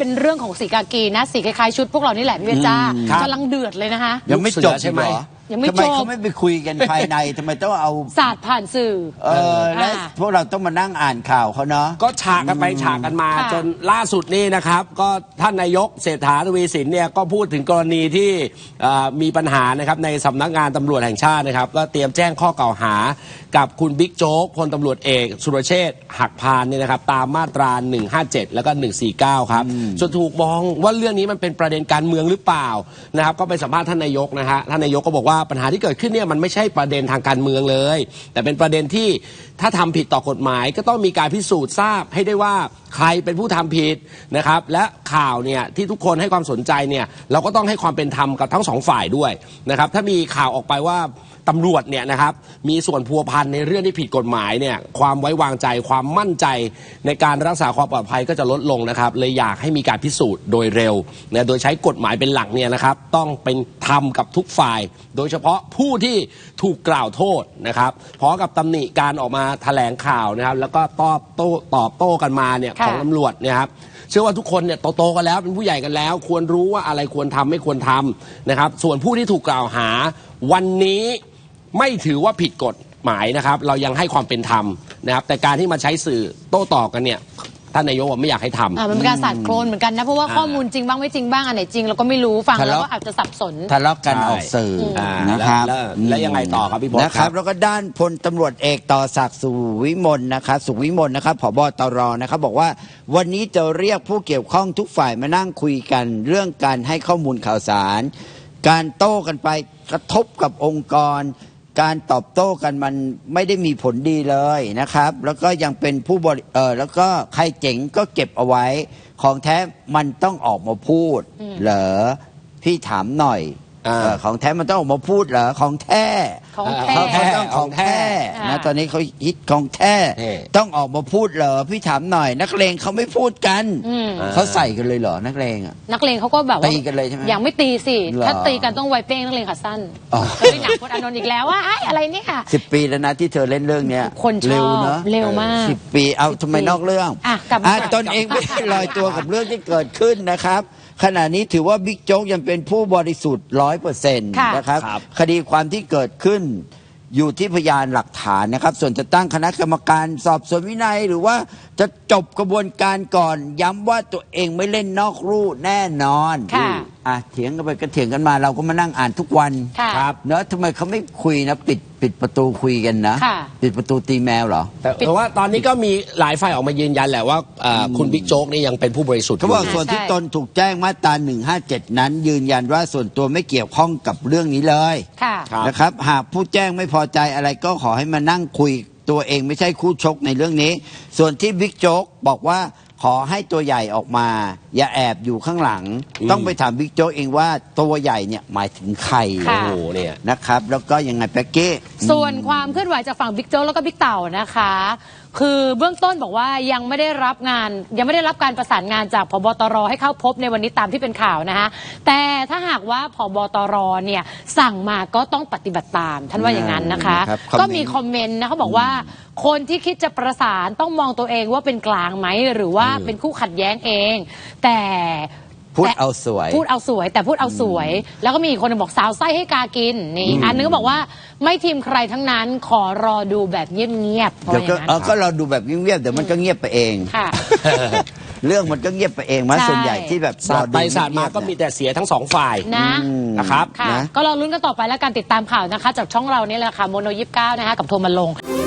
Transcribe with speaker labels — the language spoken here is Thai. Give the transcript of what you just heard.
Speaker 1: เป็นเรื่องของสีกากีนะสีคล้ายๆชุดพวกเรานี่แหละพี่เบญจ้ากำลังเดือดเลยนะคะ
Speaker 2: ยังไม่จบใช่ไหม
Speaker 1: ยังไม่จบ
Speaker 2: ทำไมเขาไม่ไปคุยกันภายในทำไมต้องเอา
Speaker 1: ศาสตร์ผ่านสื่อ
Speaker 2: และพวกเราต้องมานั่งอ่านข่าวเขาเนาะ
Speaker 3: ก็ฉากกันไปฉากกันมาจนล่าสุดนี่นะครับก็ท่านนายกเศรษฐาทวีสินเนี่ยก็พูดถึงกรณีที่มีปัญหานะครับในสำนักงานตำรวจแห่งชาตินะครับก็เตรียมแจ้งข้อกล่าวหากับคุณบิ๊กโจ๊กพลตำรวจเอกสุรเชษฐ์หักพานเนี่ยนะครับตามมาตรา157แล้วก็149ครับจนถูกมองว่าเรื่องนี้มันเป็นประเด็นการเมืองหรือเปล่านะครับก็ไปสัมภาษณ์ท่านนายกนะฮะท่านนายกก็บอกว่าปัญหาที่เกิดขึ้นเนี่ยมันไม่ใช่ประเด็นทางการเมืองเลยแต่เป็นประเด็นที่ถ้าทำผิดต่อกฎหมายก็ต้องมีการพิสูจน์ทราบให้ได้ว่าใครเป็นผู้ทำผิดนะครับและข่าวเนี่ยที่ทุกคนให้ความสนใจเนี่ยเราก็ต้องให้ความเป็นธรรมกับทั้งสองฝ่ายด้วยนะครับถ้ามีข่าวออกไปว่าตำรวจเนี่ยนะครับมีส่วนพัวพันในเรื่องที่ผิดกฎหมายเนี่ยความไว้วางใจความมั่นใจในการรักษาความปลอดภัยก็จะลดลงนะครับเลยอยากให้มีการพิสูจน์โดยเร็วนะโดยใช้กฎหมายเป็นหลักเนี่ยนะครับต้องเป็นธรรมกับทุกฝ่ายโดยเฉพาะผู้ที่ถูกกล่าวโทษนะครับพร้อมกับตำหนิการออกมาแถลงข่าวนะครับแล้วก็ตอบโต้กันมาเนี่ยของตำรวจเนี่ยครับเชื่อว่าทุกคนเนี่ยโตกันแล้วเป็นผู้ใหญ่กันแล้วควรรู้ว่าอะไรควรทำไม่ควรทำนะครับส่วนผู้ที่ถูกกล่าวหาวันนี้ไม่ถือว่าผิดกฎหมายนะครับเรายังให้ความเป็นธรรมนะครับแต่การที่มาใช้สื่อโต้ตอบกันเนี่ยท่านนายกไม่อยากให้ทำ
Speaker 1: มันเป็นการสาดโคลนเหมือนกันนะเพราะว่าข้อมูลจริงบ้างไม่จริงบ้างอันไหนจริงเราก็ไม่รู้ฟังแล้วก็อาจจะสับสน
Speaker 2: ทะเลาะกันออกสื่อนะครับ
Speaker 3: แล้วยังไงต่อครับพี่บอส
Speaker 2: นะครับแล้วก็ด้านพลตำรวจเอกต่อศักดิ์สุวิมลนะครับสุวิมลนะครับผบ.ตร.นะครับบอกว่าวันนี้จะเรียกผู้เกี่ยวข้องทุกฝ่ายมานั่งคุยกันเรื่องการให้ข้อมูลข่าวสารการโต้กันไปกระทบกับองค์กรการตอบโต้กันมันไม่ได้มีผลดีเลยนะครับแล้วก็ยังเป็นผู้แล้วก็ใครเจ๋งก็เก็บเอาไว้ของแท้มันต้องออกมาพูดเหรอพี่ถามหน่อยของแท้มันต้องออกมาพูดเหรอของแท้เขาต้องของแท้นะตอนนี้เขาฮิตของแท้ต้องออกมาพูดเหรอพี่ถามหน่อยนักเลงเขาไม่พูดกันเขาใส่กันเลยเหรอนักเลงอ่ะ
Speaker 1: นักเลงเขาก็แบบว่า
Speaker 2: ตีกันเลยใช่ไหม
Speaker 1: อย่างไม่ตีสิถ้าตีกันต้องไวเป้งนักเลงขาสั้นเคยหนังพจน์อานนท์อีกแล้วว่าอะไรเนี่ยค่ะ
Speaker 2: 10 ปีแล้วนะที่เธอเล่นเรื่องเนี้ย
Speaker 1: คนชอบเร็วมาก
Speaker 2: 10 ปีเอาทำไมนอกเรื่องตนเองไม่ได้ลอยตัวกับเรื่องที่เกิดขึ้นนะครับขณะนี้ถือว่าบิ๊กโจ๊กยังเป็นผู้บริสุทธิ์ 100% นะครับคดีความที่เกิดขึ้นอยู่ที่พยานหลักฐานนะครับส่วนจะตั้งคณะกรรมการสอบสวนวินัยหรือว่าจะจบกระบวนการก่อนย้ำว่าตัวเองไม่เล่นนอกลู่แน่นอนเถียงกันไปก็เถียงกันมาเราก็มานั่งอ่านทุกวัน
Speaker 1: ครับ
Speaker 2: เนอะทำไมเขาไม่คุยนะปิดประตูคุยกันนะปิดประตูตีแมวเหรอ
Speaker 3: แต่ว่าตอนนี้ก็มีหลายฝ่ายออกมายืนยันแหละว่าคุณบิ๊กโจ๊กนี่ยังเป็นผู้บริสุทธิ์
Speaker 2: เขาบอกส่วนที่ตนถูกแจ้งมาตรา157นั้นยืนยันว่าส่วนตัวไม่เกี่ยวข้องกับเรื่องนี้เลยนะครับหากผู้แจ้งไม่พอใจอะไรก็ขอให้มานั่งคุยตัวเองไม่ใช่คู่ชกในเรื่องนี้ส่วนที่บิ๊กโจ๊กบอกว่าขอให้ตัวใหญ่ออกมาอย่าแอบอยู่ข้างหลังต้องไปถามบิ๊กโจ๊กเองว่าตัวใหญ่เนี่ยหมายถึงใครเนี่ยนะครับแล้วก็ยังไงแป๊กเก้
Speaker 1: ส่วนความเคลื่อนไหวจากฝั่งบิ๊กโจ๊กแล้วก็บิ๊กเต่านะคะคือเบื้องต้นบอกว่ายังไม่ได้รับการประสานงานจากผบ.ตร.ให้เข้าพบในวันนี้ตามที่เป็นข่าวนะคะแต่ถ้าหากว่าผบ.ตร.เนี่ยสั่งมาก็ต้องปฏิบัติตามท่านว่าอย่างนั้นนะคะก็มีคอมเมนต์นะเขาบอกว่าคนที่คิดจะประสานต้องมองตัวเองว่าเป็นกลางไหมหรือว่าเป็นคู่ขัดแย้งเองแต่
Speaker 2: พูดเอาสวย
Speaker 1: แต่พูดเอาสวยแล้วก็มีคนบอกสาวไส้ให้กากินนี่อันนึงก็บอกว่าไม่ทีมใครทั้งนั้นขอรอดูแบบเงียบ
Speaker 2: ๆเดี๋ยวก็รอดูแบบเงียบๆเดี๋ยวมันก็เงียบไปเองเรื่องมันก็เงียบไปเองมาส่วนใหญ่ที่แบบ
Speaker 3: สาดไปสาดมาก็มีแต่เสียทั้งสองฝ่าย
Speaker 1: นะครับก็รอลุ้นกันต่อไปแล้วการติดตามข่าวนะคะจากช่องเรานี่แหละค่ะโมโน29นะคะกับโทรมาลง